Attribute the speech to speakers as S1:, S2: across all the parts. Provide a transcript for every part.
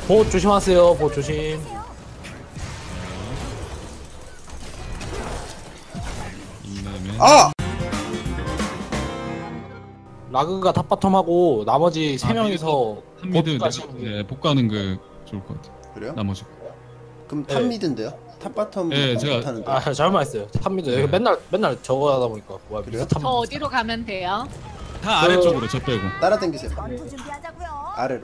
S1: 보호 조심하세요. 보호 조심.
S2: 아!
S1: 라그가 탑바텀하고 나머지 세 명이서
S3: 탑미드
S1: 보트까지.
S3: 복가는 게 좋을 것 같아.
S2: 그래요?
S3: 나머지.
S2: 그럼
S1: 네.
S2: 탑 미드인데요? 탑 바텀
S3: 네, 제가-
S2: 못하는데.
S1: 아 잘못 말했어요. 탑미드
S3: 네.
S1: 맨날 저거 하다 보니까 뭐야
S2: 그래요?
S1: 탑.
S4: 저 어디로 가면 돼요?
S3: 다 아래쪽으로 저 빼고.
S2: 따라당기세요.
S5: 전투 준비하자고요.
S2: 아래로.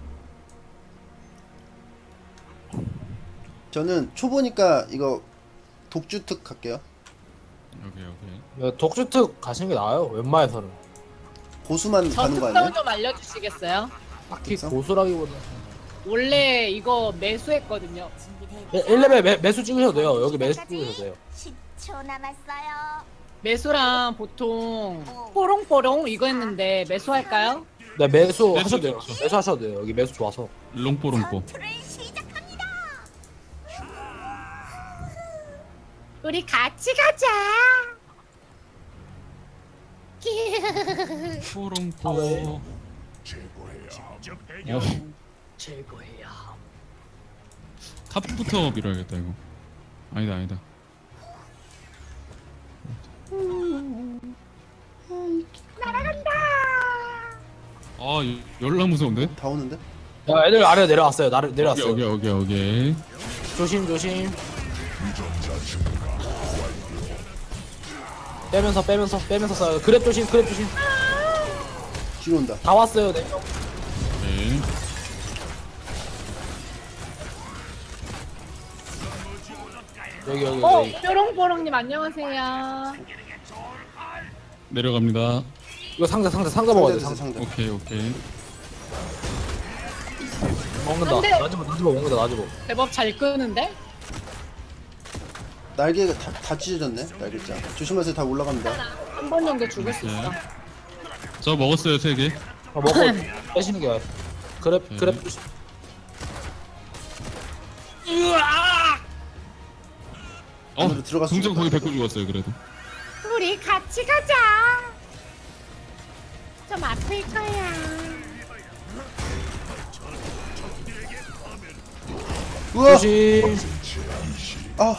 S2: 저는 초보니까 이거 독주특 할게요.
S3: 오케이.
S1: 독주특 가시는 게 나아요. 웬만해서는.
S2: 고수만
S4: 저
S2: 가는 거
S4: 특성
S2: 아니에요?
S4: 좀 알려주시겠어요?
S1: 딱히
S2: 그래서?
S1: 고수라기보다.
S4: 원래 이거 매수했거든요.
S1: 1레벨 매수 찍으셔도 돼요. 여기 매수 찍으셔도 돼요.
S5: 10초 남았어요.
S4: 매수랑 보통 뽀롱뽀롱 이거 했는데 매수할까요?
S1: 네 매수
S3: 매수
S1: 하셔도 돼요.
S3: 좋죠.
S1: 매수 하셔도 돼요. 여기 매수 좋아서.
S3: 롱뽀롱뽀.
S5: 전투를 시작합니다.
S4: 우리 같이 가자.
S3: 뽀롱뽀.
S4: 최고예요.
S3: 탑부터 밀어야겠다 이거. 아니다. 아, 열나 무서운데?
S2: 다 오는데?
S1: 야 애들 아래 내려왔어요. 내려왔어요.
S3: 오케이.
S1: 조심. 빼면서 쏴요. 그랩 조심.
S2: 뒤로 온다.
S1: 다 왔어요. 네.
S3: 오케이.
S1: 여기.
S4: 뾰롱뽀롱님 안녕하세요.
S3: 내려갑니다.
S1: 이거 상자 먹어야 돼.
S2: 상자
S1: 상자.
S2: 상자.
S3: 오케이.
S1: 먹는다.
S4: 안 돼.
S1: 나지보 먹는다. 나지보.
S4: 제법 잘 끄는데?
S2: 날개가 다 찢어졌네. 날개자. 조심하세요. 다 올라갑니다.
S4: 한 번 정도 죽을 수 있어.
S3: 저 먹었어요 3개.
S1: 먹고 빼시는 게 그랩 조심.
S2: 안으로 들어갔을
S3: 동정
S2: 것
S3: 거기
S2: 같아.
S3: 100고 죽었어요 그래도.
S4: 우리 같이 가자. 좀 아플 거야.
S2: 우와!
S1: 조심.
S2: 아!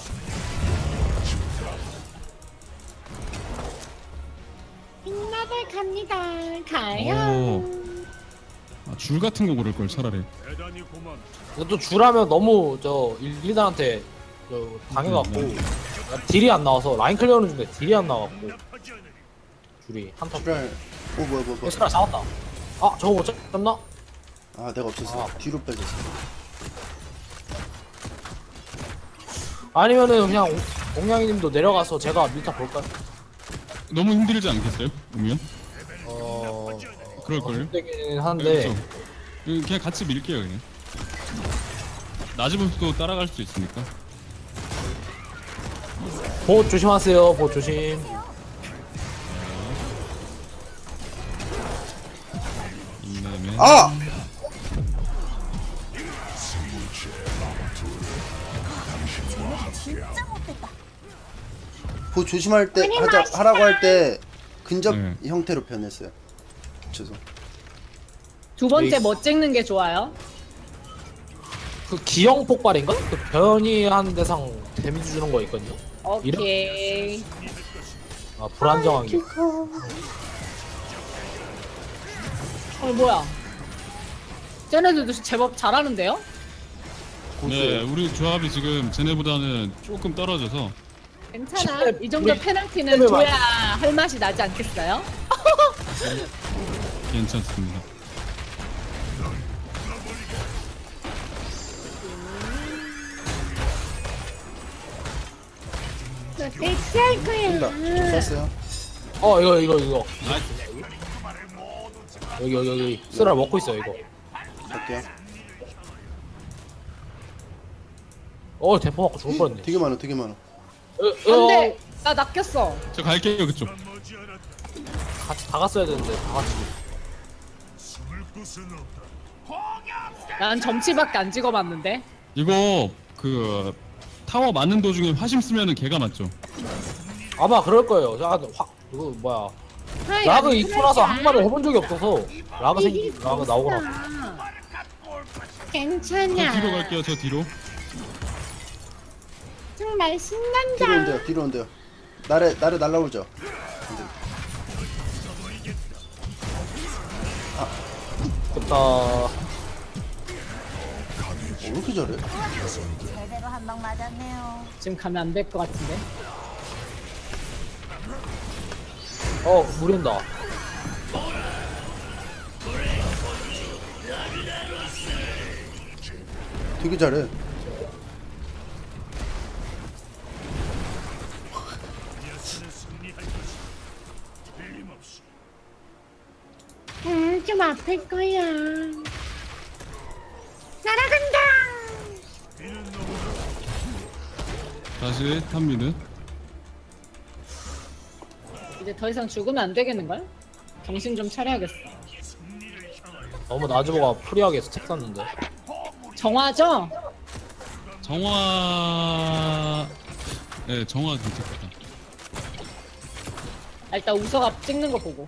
S4: 빛나들 갑니다. 가요.
S3: 오. 줄 같은 거 고를 걸 차라리.
S1: 근데 또 줄하면 너무 저 일리단한테 당해갖고 딜이 안 나와서 라인 클리어는 중인데 딜이 안 나와갖고 줄이 한타.
S2: 불알. 오 뭐야.
S1: 스라 잡았다. 아 저거 못 잡나?
S2: 아 내가 없었어. 뒤로 빼졌어.
S1: 아니면은 그냥 옹양이님도 내려가서 제가 밀타 볼까요?
S3: 너무 힘들지 않겠어요? 오면?
S1: 어,
S3: 그럴걸요?
S1: 힘들긴 한데.
S3: 그렇죠. 그냥 같이 밀게요 그냥. 나지부도 따라갈 수 있으니까.
S1: 보호 조심하세요. 보호 조심.
S3: 인내면.
S2: 아!
S5: 진짜 못됐다.
S2: 조심할 때 하라고 할 때 근접
S3: 네.
S2: 형태로 변했어요. 죄송.
S4: 두 번째
S1: 에이스.
S4: 뭐 찍는 게 좋아요?
S1: 그 기형 폭발인가? 그 변이한 대상 데미지 주는 거 있거든요.
S4: 오케이.
S1: 아 불안정한 게.
S4: 뭐야? 쟤네들도 제법 잘하는데요?
S3: 네, 우리 조합이 지금 쟤네보다는 조금 떨어져서.
S4: 괜찮아.
S1: 십대-
S4: 이 정도
S1: 우리
S4: 페널티는
S1: 십대
S4: 줘야 할 맛이 나지 않겠어요?
S3: 괜찮습니다.
S4: 대체할 거야.
S2: 된다. 쐈어요.
S1: 이거. 여기. 쓰라 먹고 있어요 이거.
S2: 갈게요.
S1: 대포 맞고 죽을 뻔했네.
S2: 되게 많아.
S4: 안돼. 나 낚였어.
S3: 저 갈게요 그쪽.
S1: 같이 다 갔어야 되는데 다 같이.
S4: 난 점치밖에 안 찍어봤는데.
S3: 이거 그 타워 맞는 도중에 화심 쓰면은 개가 맞죠?
S1: 아마 그럴 거예요. 이거 뭐야? 라그 입고 나서 한 번을 해본 적이 없어서 라그 나오고 나서.
S3: 저
S4: 괜찮아.
S3: 뒤로 갈게요. 저 뒤로.
S4: 정말
S2: 뒤로
S4: 신난다.
S2: 온대요. 뒤로 온대요. 나래 날라오죠.
S1: 됐다.
S2: 왜 이렇게 잘해?
S5: 제대로 한 방 맞았네요.
S4: 지금 가면 안 될 것 같은데.
S1: 무린다.
S2: 되게 잘해.
S4: 좀 아플 거야. 날아간다.
S3: 다시 탑미드.
S4: 이제 더 이상 죽으면 안 되겠는걸? 정신 좀 차려야겠어.
S1: 너무 나즈보가 프리하게 스택 쌌는데.
S4: 정화죠?
S3: 정화. 네, 정화 괜찮겠다.
S4: 일단 우서가 찍는 거 보고.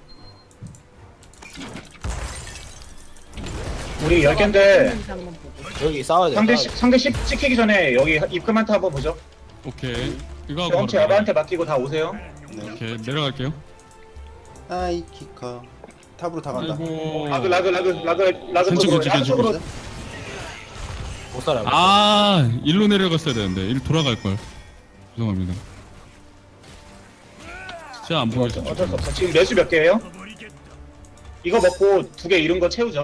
S6: 우리 10개인데
S4: 찍는 거 한번 보고.
S1: 여기 싸워야 돼.
S6: 상대 10 찍히기 전에 여기 입금한테 한번 보죠.
S3: 오케이. 이거 하고
S6: 경치
S3: 바로
S6: 아바한테 맡기고 다 오세요.
S2: 네.
S3: 오케이, 내려갈게요.
S2: 아이 키커. 탑으로 다 간다.
S3: 아이고.
S6: 라그
S3: 괜찮,
S6: 쪽으로
S3: 괜찮,
S6: 라그 쪽으로
S1: 못 살아요.
S3: 아, 일로 내려갔어야 되는데. 일 돌아갈 걸. 죄송합니다. 진짜 안 보였어.
S6: 어쩔 수 없어. 지금 매수 몇 개예요? 이거 먹고 2개 잃은 거 채우죠.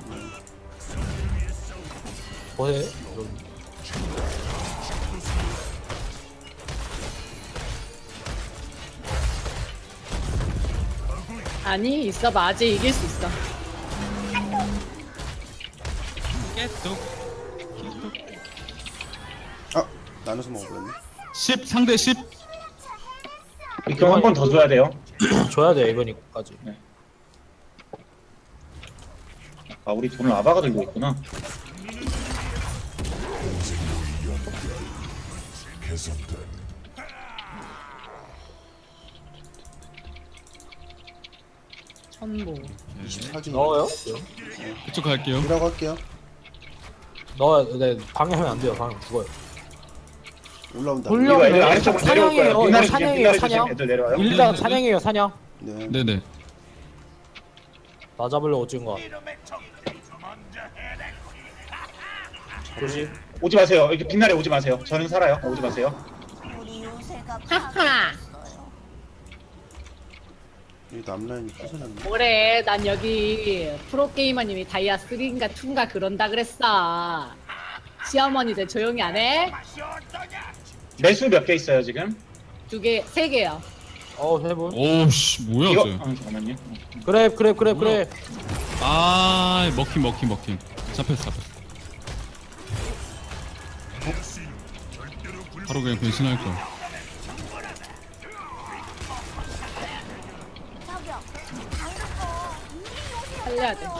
S1: 보세.
S4: 아니 있어봐. 아직 이길 수 있어.
S2: 아 나눠서 먹어버렸네.
S3: 10 상대 10.
S6: 입금 한 번 더 줘야 돼요.
S1: 줘야 돼 이번이까지.
S6: 아 우리 돈을 아바가 들고 있구나.
S4: 천보.
S2: 24기
S1: 넣어요?
S3: 이쪽 갈게요.
S2: 이라고 할게요.
S1: 넣어야 네 방해하면 안 돼요. 방해 죽어요.
S2: 올라온다.
S1: 돌려.
S6: 이거 애들 아래쪽으로 내려올 거예요.
S1: 사냥이에요.
S6: 빛나래
S1: 사냥이에요,
S6: 주세요. 빛나래
S1: 사냥.
S6: 주세요. 애들 내려와요.
S1: 일단 사냥이에요 사냥.
S2: 네.
S3: 네네.
S1: 나 잡으려고 찍은 거야. 조심.
S6: 오지 마세요. 이렇게 빛나래 오지 마세요. 저는 살아요. 오지 마세요.
S5: 우리 요새가
S4: 하하.
S5: 파괴했어요.
S2: 여기 남라인이 부서졌네.
S4: 뭐래? 난 여기 프로게이머님이 다이아 3인가 2인가 그런다 그랬어. 시어머니들 조용히 안 해?
S6: 매수 몇 개 있어요 지금?
S4: 2개, 3개요.
S1: 세 분.
S3: 오씨, 뭐야,
S6: 이거
S3: 쟤.
S6: 잠깐만요.
S1: 그래.
S3: 아, 먹힘. 잡혔어. 바로 그냥 변신할 걸.
S5: 저기요.
S4: 살려야 돼.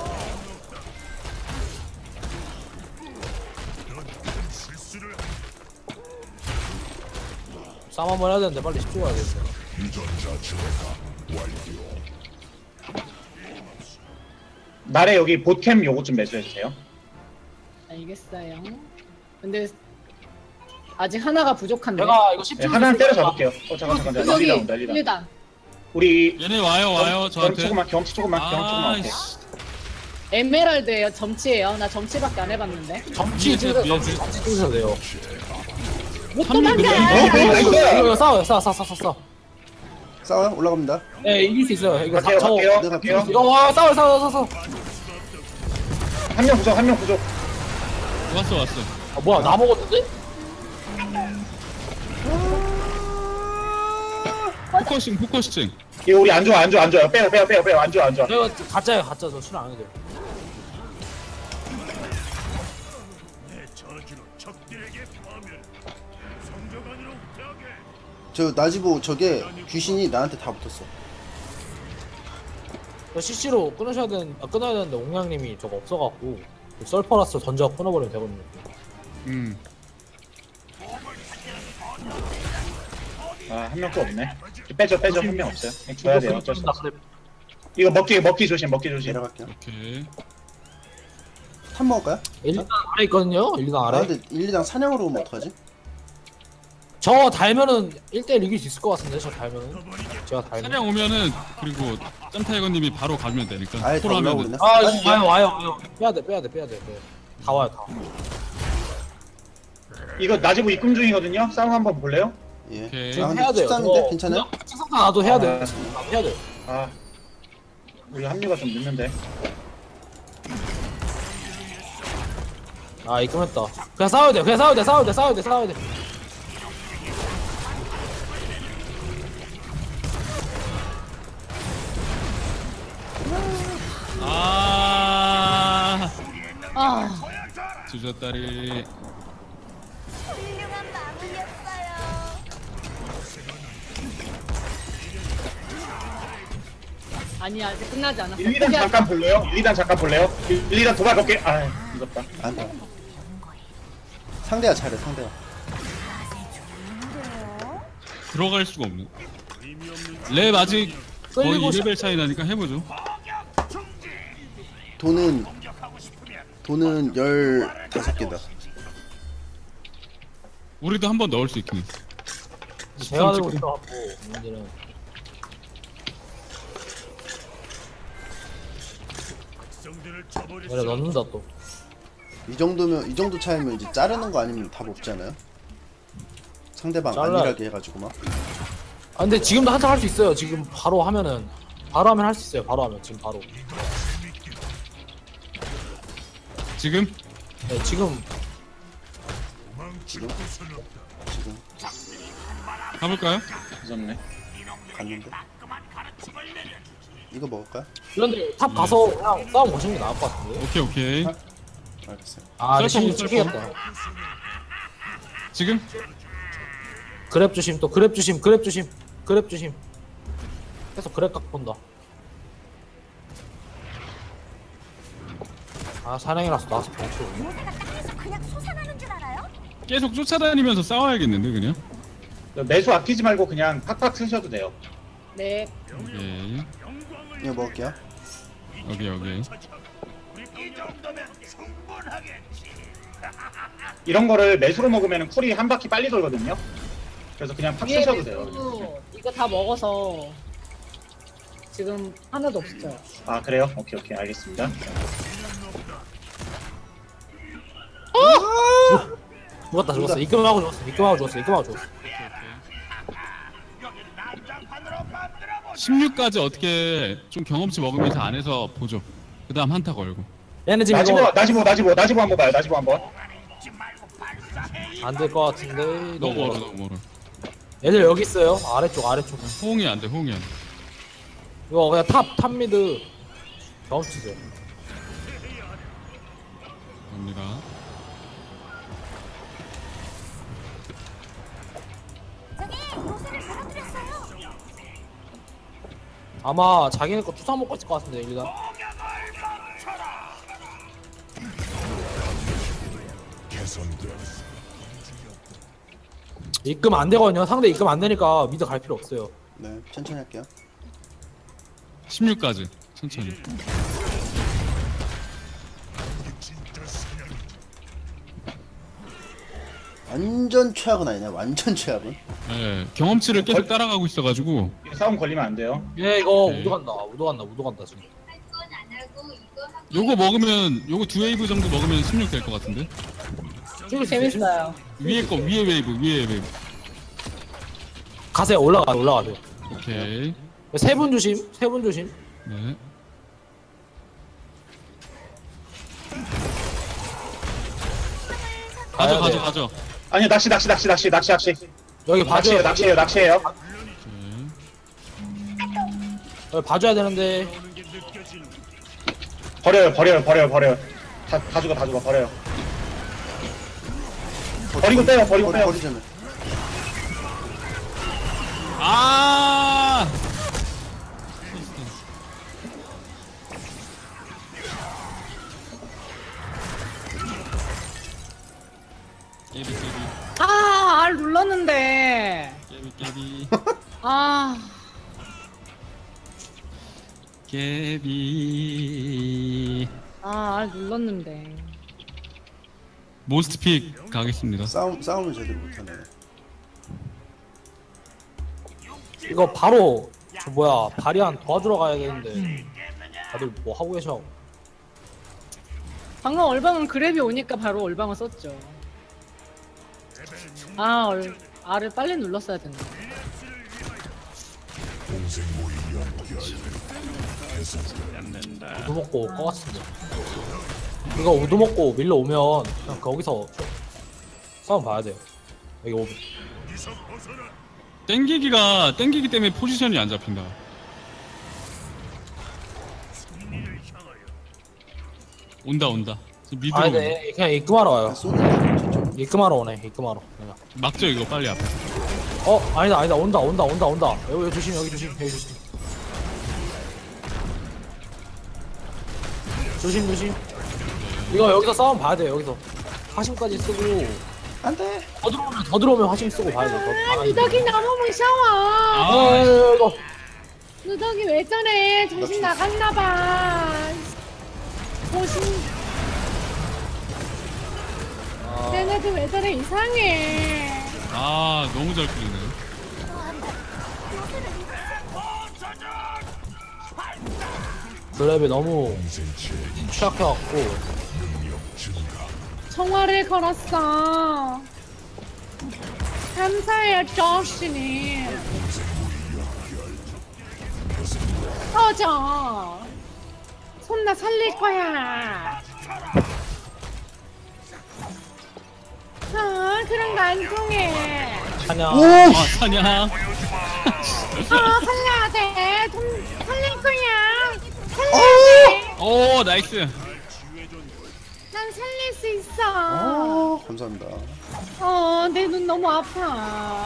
S1: 싸움 한번 해야 되는데 빨리 10초 가야겠어.
S6: 나래 여기 보캠 요거 좀 매수해 주세요.
S4: 알겠어요. 근데 아직 하나가 부족한데.
S1: 내가 이거
S6: 네,
S1: 10초
S6: 하나는 때려 잡을게요. 잠깐.
S4: 여기
S6: 난리 나온다.
S4: 1단.
S6: 우리
S3: 얘네 와요, 저한테.
S6: 경치 조금만 할게.
S3: 아이씨.
S4: 에메랄드예요. 점치예요. 나 점치밖에 안 해봤는데.
S1: 점치
S3: 위에
S1: 찍으셔
S3: 위에
S1: 찍으셔야 돼요.
S4: 못
S3: 한 명
S4: 도망가.
S1: 이거 싸워.
S2: 싸워요? 올라갑니다.
S1: 네 이길 수 있어요. 이거
S6: 갈게요.
S2: 내가
S1: 이거 와 싸워.
S6: 한 명 부족.
S3: 왔어.
S1: 아 뭐야 나 먹었는데?
S3: 포커싱.
S6: 이거 우리 안 좋아요. 빼요. 안 좋아.
S1: 내가 가짜예요 가짜. 저 출연 안 해도 돼요.
S2: 저 나지보 저게 귀신이 나한테 다 붙었어.
S1: CC로 끊어야 되는데 옹양님이 저거 없어갖고 썰퍼라스 던져 끊어버리면 되거든요.
S6: 아, 한 명도 없네. 빼죠. 한 명 없어요. 줘야 돼요. 어쩔 수 없어. 이거 먹기 조심.
S2: 내려갈게요.
S3: 오케이.
S2: 탑 먹을까요?
S1: 1, 2단 아래 있거든요. 1, 2단
S2: 아
S1: 아래.
S2: 근데 1, 2당 사냥으로 오면 어떡하지?
S1: 저 달면은 1대1 이길 수 있을 것 같은데 저 달면은. 제가 달면.
S3: 사냥 오면은 그리고 짬타이거님이 바로 가면 되니까.
S2: 아예 다
S3: 콜 하면은.
S2: 올라오겠네.
S1: 아 이거 와요. 빼야돼. 네. 다 와요 다.
S6: 이거 나지부 입금 중이거든요. 싸움 한번 볼래요?
S2: 예.
S3: 오케이.
S2: 아
S1: 지금
S2: 근데
S1: 해야 돼요.
S2: 13인데 괜찮아요?
S1: 식상사 나도 해야 돼.
S6: 아.
S1: 해야 돼.
S6: 아 우리 합류가 좀 늦는데.
S1: 아 입금했다. 그냥 싸워야 돼.
S3: 아,
S4: 아,
S3: 주저다리.
S5: 훌륭한 마무리였어요.
S4: 아니 아직 끝나지 않았어.
S6: 1, 2단 잠깐 볼래요? 1, 2단 잠깐 볼래요? 1, 2단 도발 몇 개? 아 늦었다.
S2: 안돼. 상대가 잘해 상대가.
S3: 들어갈 수가 없네. 랩 아직 거의
S1: 끌리고
S3: 2레벨 차이 나니까 해보죠.
S2: 돈은 15개다.
S3: 우리도 한 번 넣을 수 있긴 해.
S1: 제가 들고 있어갖고 문제는. 그래 넣는다 또.
S2: 이 정도 차이면 이제 자르는 거 아니면 답 없지 않아요? 상대방
S1: 잘라.
S2: 안일하게 해가지고 막.
S1: 아 근데 지금도 한창 할 수 있어요. 지금 바로 하면 할 수 있어요. 바로 하면 지금 바로.
S3: 지금?
S1: 네 지금
S2: 지금
S3: 가볼까요?
S6: 늦었네.
S2: 갔는데. 이거 먹을까요?
S1: 그런데 탑 가서 그냥 싸움 거시는 게 나을 것 같은데.
S3: 오케이.
S2: 알겠어요.
S1: 아 근데
S3: 썰렁,
S1: 실력
S3: 썰렁.
S1: 찍히겠다.
S3: 지금?
S1: 그랩 조심 또 그랩 조심. 계속 그랩 각 본다. 아 사냥이라서 나와서 병치 오네.
S5: 요새가 땅에서 그냥 솟아나는 줄 알아요?
S3: 계속 쫓아다니면서 싸워야겠는데 그냥?
S6: 매수 아끼지 말고 그냥 팍팍 쓰셔도 돼요.
S4: 네.
S3: 오케이.
S2: 이거 먹을게요.
S3: 오케이.
S6: 이런 거를 매수로 먹으면 쿨이 한 바퀴 빨리 돌거든요. 그래서 그냥 팍
S4: 위에
S6: 쓰셔도 돼요.
S4: 배수 이거 다 먹어서 지금 하나도 없어요.
S6: 아 그래요? 오케이 알겠습니다.
S1: 죽었어. 입금하고 죽었어.
S3: 16까지 어떻게 좀 경험치 먹으면서 안에서 보죠. 그 다음 한타 걸고.
S1: 얘는 지금 이거
S6: 나지보 한번 봐요. 나지보 한번.
S1: 안 될 것 같은데.
S3: 너무 멀어.
S1: 얘들 여기 있어요. 아래쪽.
S3: 호응이 안 돼.
S1: 이거 그냥 탑 미드 경험치세요.
S3: 갑니다.
S5: 저기 요새를 무너뜨렸어요.
S1: 아마 자기네 거 투사 먹고 있을 것 같은데 일단. 입금 안 되거든요. 상대 입금 안 되니까 미드 갈 필요 없어요.
S2: 네, 천천히 할게요.
S3: 16까지 천천히.
S2: 완전 최악은 아니네. 완전 최악은.
S3: 네, 경험치를 계속 따라가고 있어가지고.
S6: 싸움 걸리면 안 돼요.
S1: 얘 이거
S3: 오케이.
S1: 우도 간다 지금.
S3: 요거 먹으면 요거 2웨이브 정도 먹으면 16 될 것 같은데.
S4: 재밌어요.
S3: 위에 웨이브.
S1: 가세요. 올라가세요.
S3: 오케이.
S1: 세 분 조심.
S3: 네.
S1: 가야 돼.
S3: 가져.
S6: 아니요 낚시.
S1: 여기 봐줘요.
S6: 낚시예요.
S3: 오케이.
S1: 여기 봐줘야 되는데.
S6: 버려요. 다 죽어 버려요. 버리고 빼요.
S2: 버리자면.
S3: 아! 깨비.
S4: 아, 알 눌렀는데.
S3: 깨비.
S4: 아,
S3: 깨비.
S4: 알 눌렀는데.
S3: 몬스트픽 가겠습니다.
S2: 싸움을 제대로 못하네.
S1: 이거 바로 저 뭐야 바리안 도와주러 가야 되는데 다들 뭐 하고 계셔.
S4: 방금 얼방은 그랩이 오니까 바로 얼방을 썼죠. R을 빨리 눌렀어야 됐네.
S1: 우두 먹고 올 것 같은데. 이거 우두 먹고 밀러 오면 그냥 거기서 싸움 봐야 돼요. 여기 오면.
S3: 땡기기 때문에 포지션이 안 잡힌다. 온다. 지금 미드로
S1: 아니
S3: 온다.
S1: 네 그냥 입금하러 와요.
S2: 쏘는 저쪽.
S1: 입금하러 오네. 입금하러. 그냥.
S3: 막죠 이거 빨리 앞에.
S1: 아니다 온다. 여기 조심. 조심. 이거 여기서 싸움 봐야 돼요. 여기서 화심까지 쓰고
S2: 안돼.
S1: 더 들어오면 화심 쓰고 봐야 돼.
S4: 누더기 너무 무서워.
S1: 이거
S4: 누더기 왜 저래? 정신 나갔나봐. 조심. 쟤네들 왜 저래 이상해.
S3: 아 너무 잘 끌리네.
S1: 드랩이 너무 취약해갖고
S4: 청화를 걸었어. 감사해요, 조시님. 터져. 손나 살릴 거야. 그런 거 안 통해.
S1: 찬양.
S3: 아 사냥.
S4: 살려야 돼. 돈 살릴 거야. 살려야 돼.
S3: 오 나이스.
S4: 난 살릴 수 있어.
S2: 감사합니다.
S4: 내 눈 너무 아파.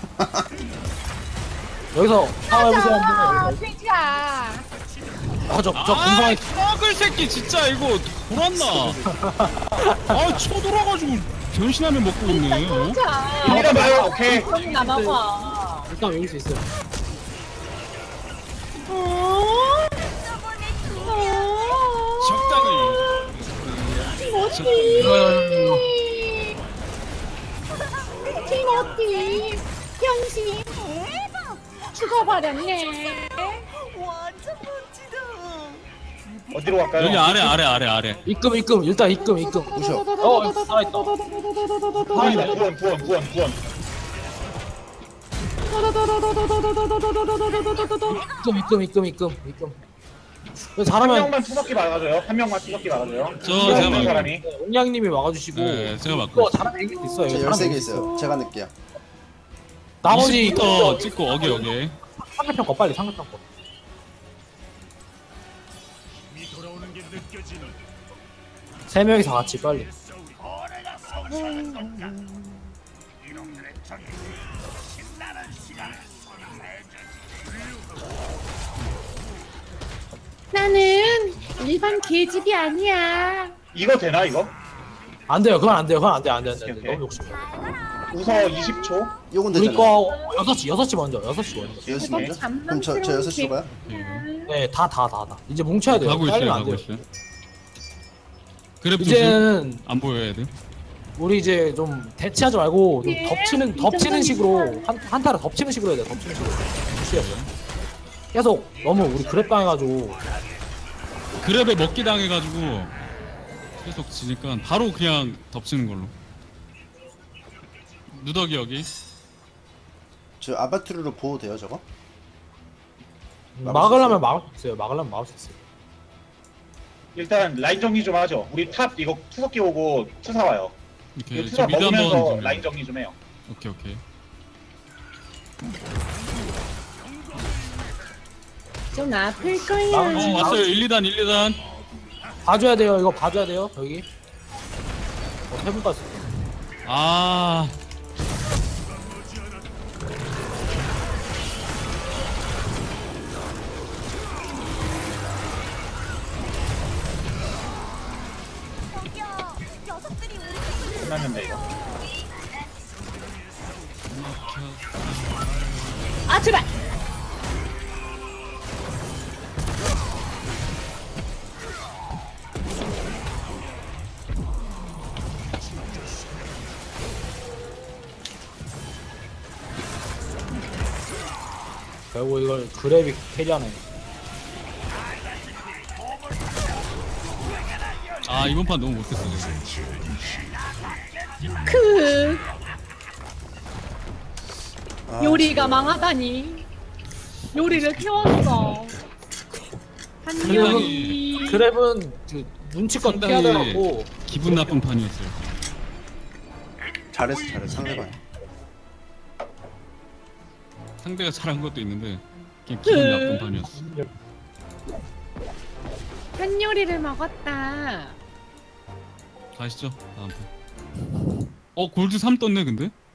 S1: 여기서 상황해보세요
S4: 터져.
S1: 한번.
S4: 돼지야.
S1: 저 공방에
S3: 썩을 새끼 진짜 이거 돌았나? 쳐돌아가지고 변신하면 먹고 있네. 어?
S6: 이리가 봐요. 오케이.
S4: 그럼 나 먹어.
S1: 일단 여기 수 있어요.
S3: 적당히.
S4: 티모티 변신 죽어버렸네.
S5: 완전 멋지다.
S6: 어디로 갈까요?
S3: 여기 아래.
S1: 입금 일단 입금.
S2: 부셔.
S1: 살아있다.
S6: 구원.
S1: 입금.
S6: 한
S1: 잘하면
S6: 명만 투석기 막아줘요.
S3: 제가
S6: 어떤
S3: 막을게요.
S6: 사람이?
S1: 옹양님이 막아주시고
S3: 네, 제가 막고
S1: 이거 잘하면 이길 수 있어요.
S2: 저
S1: 잘하면
S2: 13개
S1: 이길 수
S2: 있어요. 제가 낼게요.
S1: 나머지
S3: 20부터 찍고 어게.
S1: 상대편 거 빨리 상대편 거. 세 명이서 같이 빨리.
S4: 나는 일반 계집이 아니야.
S6: 이거 되나 이거?
S1: 안 돼요. 그건 안 돼요.
S6: 오케이.
S1: 너무 욕심이야.
S6: 우서 20초.
S2: 요건
S1: 우리
S2: 되잖아요.
S1: 거 6시 먼저.
S2: 6시 먼저? 그럼 저 6시로 가요?
S1: 네, 다. 이제 뭉쳐야 돼요.
S3: 가고
S1: 잘리면 안
S3: 있어요.
S1: 돼요.
S3: 그랩 조심.
S1: 이제는
S3: 안 보여야 돼.
S1: 우리 이제 좀 대치하지 말고 좀
S4: 예,
S1: 덮치는 식으로 한타를 덮치는 식으로 해야 돼. 덮치는 식으로. 계속 너무 우리 그랩 당해가지고
S3: 그랩에 먹기 당해가지고 계속 지니까 바로 그냥 덮치는 걸로. 누더기 여기.
S2: 저 아바트르로 보호 돼요 저거?
S1: 막으려면 막을 수 있어요.
S6: 일단 라인 정리 좀 하죠. 우리 탑 이거 투석기 오고 투사 와요.
S3: 이렇게
S6: 이거
S3: 저
S6: 투사
S3: 미드
S6: 먹으면서
S3: 한번.
S6: 라인 정리 좀 해요.
S3: 오케이.
S4: 좀 아플 거야.
S3: 왔어요. 1, 2단.
S1: 봐줘야 돼요. 이거 봐줘야 돼요. 여기. 세 분까지.
S3: 아.
S5: 저기요, 녀석들이 우리 쪽으로
S6: 끝났는데 이거.
S4: 아 제발.
S1: 결국 이걸 그랩이 캐리하네.
S3: 아 이번 판 너무 못했어 내가.
S4: 크
S2: 아,
S4: 요리가 망하다니. 요리를 태웠어. 한 요리.
S1: 그랩은 그 눈치껏
S3: 상당히
S1: 해야 돼갖고
S3: 기분 나쁜 판이었어요.
S2: 잘했어 상대방.
S3: 상대가 잘한 것도 있는데 그냥 기분 나쁜 판이었어.
S4: 한 요리를 먹었다.
S3: 가시죠 다음 판. 골드 3 떴네 근데?